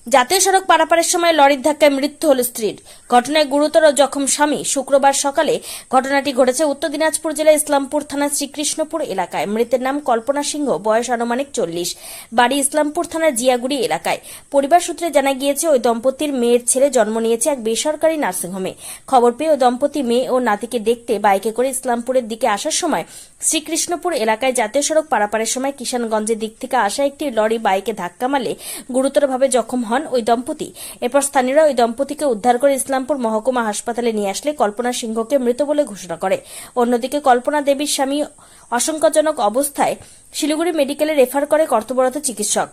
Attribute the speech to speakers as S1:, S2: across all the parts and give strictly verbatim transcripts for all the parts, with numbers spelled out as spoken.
S1: জাতীয় সড়ক পারাপারের সময় লরির ধাক্কায় মৃত্যু হল স্ত্রীর। ঘটনায় গুরুতর জখম স্বামী। শুক্রবার সকালে ঘটনাটি ঘটেছে উত্তর দিনাজপুর জেলার ইসলামপুর থানার শ্রীকৃষ্ণপুর এলাকায়। মৃতের নাম কল্পনা সিংহ, বয়স আনুমানিক চল্লিশ, বাড়ি ইসলামপুর থানার জিয়াগুড়ি এলাকায়। পরিবার সূত্রে জানা গিয়েছে ওই দম্পতির মেয়ের ছেলে জন্ম নিয়েছে এক বেসরকারি নার্সিংহোমে। খবর পেয়ে ওই দম্পতি মেয়ে ও নাতিকে দেখতে বাইকে করে ইসলামপুরের দিকে আসার সময় শ্রীকৃষ্ণপুর এলাকায় জাতীয় সড়ক পারাপারের সময় কিষানগঞ্জের দিক থেকে আসা একটি লরি বাইকে ধাক্কা মারলে গুরুতরভাবে জখম হন ওই দম্পতি। এরপর স্থানীয়রা ওই দম্পতিকে উদ্ধার করে ইসলামপুর মহকুমা হাসপাতালে নিয়ে আসলে কল্পনা সিংহকে মৃত বলে ঘোষণা করে। অন্যদিকে কল্পনা দেবীর স্বামী আশঙ্কাজনক অবস্থায় শিলিগুড়ি মেডিকেলে রেফার করে কর্তব্যরত চিকিৎসক।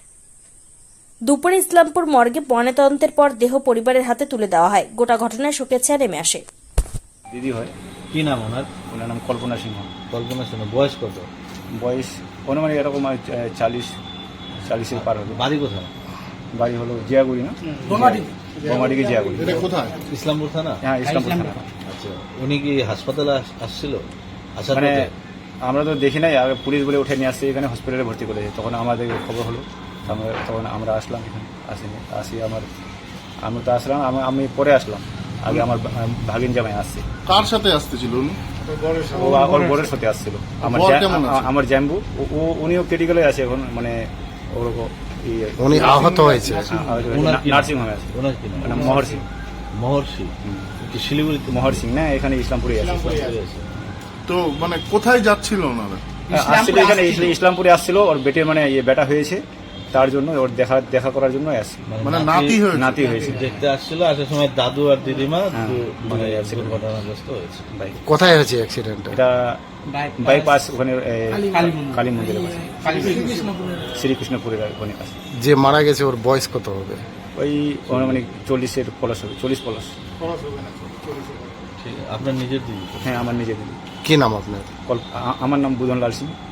S1: দুপুরে ইসলামপুর মর্গে ময়নাতদন্তের পর দেহ পরিবারের হাতে তুলে দেওয়া হয়। গোটা ঘটনায় শোকের ছায়া নেমে আসে।
S2: দিদি হয়।
S3: কি নাম ওনার?
S2: ওনার নাম কল্পনা সিংহ।
S3: কল্পনা সিংহ। বয়স কত?
S2: বয়স অনুমানিক এরকম চালিশ চালিশের পার হবে।
S3: বাড়ি কোথায়?
S2: বাড়ি হলো জিয়াগুড়ি, না বোমাডিকে জিয়াগুড়ি।
S4: এটা কোথায়?
S3: ইসলামপুর থানা।
S2: হ্যাঁ, ইসলামপুর থানা।
S3: আচ্ছা, উনি কি হাসপাতালে আস- আসছিল? আসার
S2: মানে
S3: পথে?
S2: আমরা তো দেখি নাই, আগে পুলিশ বলে উঠে নিয়ে আসছে, এখানে হসপিটালে ভর্তি করেছে। তখন আমাদের খবর হলো, আমরা তখন আমরা আসলাম এখানে। আসিনি আসি আমার আমি তো আসলাম, আমি- আমি পরে আসলাম। আগে আমার ভা- ভাগিন জামাই আসছে।
S4: কার সাথে আসতেছিল উনি?
S2: ও ওর বোনের সাথে আসছিল। আমার
S4: বর
S2: জ্যা-
S4: কেমন আছে?
S2: আমার জ্যাম্বু, ও- ও- উনিও ক্রিটিক্যালে আছে এখন, মানে ওরকম
S4: উনি আহত হয়েছে।
S3: ওনার কি নাম?
S2: নার্সিং হোমে আছে।
S3: ওনার কি নাম?
S2: মানে মহর সিং।
S3: মহর্ষি। কি শিলিগুড়িতে?
S2: মহর সিং না, এখানে ইসলামপুরে আছে।
S4: তো মানে কোথায় যাচ্ছিল ওনারা?
S2: আসছিল এখানে ইসলা- ইসলামপুরে আসছিল। ওর বেটের মানে ইয়ে বেটা হয়েছে, তার জন্য ওর দেখা দেখা করার জন্য আসছে।
S4: মানে নাতি হয়েছে?
S2: নাতি হয়েছে।
S3: দেখতে আসছিল, আসার সময় দাদু আর দিদিমা
S2: হ্যাঁ,
S3: দু- মানে
S2: দুজনে
S3: এক
S2: accident
S3: দুর্ঘটনাগ্রস্ত হয়েছে।
S2: বাইক
S5: কোথায় হয়েছে অ্যাক্সিডেন্টটা?
S2: এটা বাইপাস ওখানে এ, কালী মন্দিরের পাশে, শ্রীকৃষ্ণপুরের ওখানে কাছে।
S5: যে মারা গেছে ওর বয়স কত হবে?
S2: ওই মানে চল্লিশের প্লাস হবে, চল্লিশ প্লাস।
S3: ঠিক আছে। আপনার নিজের দিদি?
S2: হ্যাঁ, আমার নিজের দিদি।
S5: কি নাম আপনার?
S2: কল- আ- আমার নাম বুধনলাল সিং।